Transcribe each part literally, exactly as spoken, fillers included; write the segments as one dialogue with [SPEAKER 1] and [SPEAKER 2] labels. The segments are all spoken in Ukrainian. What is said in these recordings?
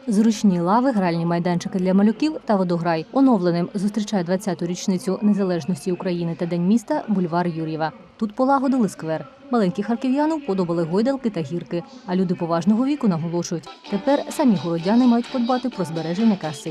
[SPEAKER 1] Зручні лави, гральні майданчики для малюків та водограй. Оновленим зустрічає двадцяту річницю незалежності України та День міста бульвар Юр'єва. Тут полагодили сквер. Маленькі харків'яну подобали гойдалки та гірки. А люди поважного віку наголошують, тепер самі городяни мають подбати про збереження краси.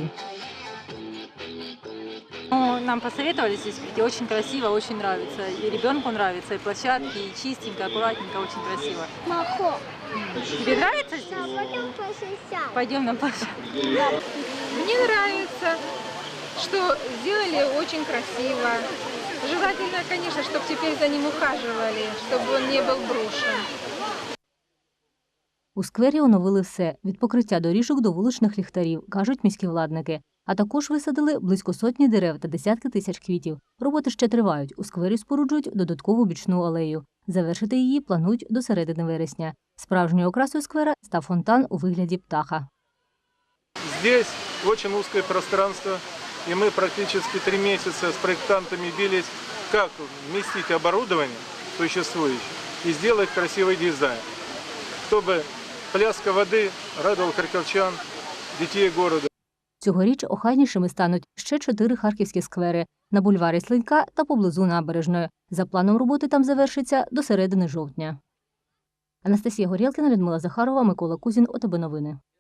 [SPEAKER 2] Ну, нам посоветовали здесь прийти, очень красиво, очень нравится. И ребенку нравится, и площадки, и чистенько, аккуратненько, очень красиво.
[SPEAKER 3] Махо.
[SPEAKER 2] Тебе нравится здесь?
[SPEAKER 3] Да, пойдем по шестям.
[SPEAKER 2] Пойдем на площадку.
[SPEAKER 4] Мне нравится, что сделали очень красиво. Желательно, конечно, чтобы теперь за ним ухаживали, чтобы он не был брошен.
[SPEAKER 1] У сквері оновили все – від покриття доріжок до вуличних ліхтарів, кажуть міські владники. А також висадили близько сотні дерев та десятки тисяч квітів. Роботи ще тривають. У сквері споруджують додаткову бічну алею. Завершити її планують до середини вересня. Справжньою окрасою сквера став фонтан у вигляді птаха.
[SPEAKER 5] Здесь очень узкое пространство, и мы практически три месяца с проектантами бились, как вместить оборудование существующее и сделать красивый дизайн, чтобы пляска воды радовал харьковчан, детей города.
[SPEAKER 1] Цьогоріч охайнішими стануть ще чотири харківські сквери – на бульварі Слинька та поблизу Набережної. За планом роботи там завершиться до середини жовтня. Анастасія Горєлкіна, Людмила Захарова, Микола Кузін, ОТБ Новини.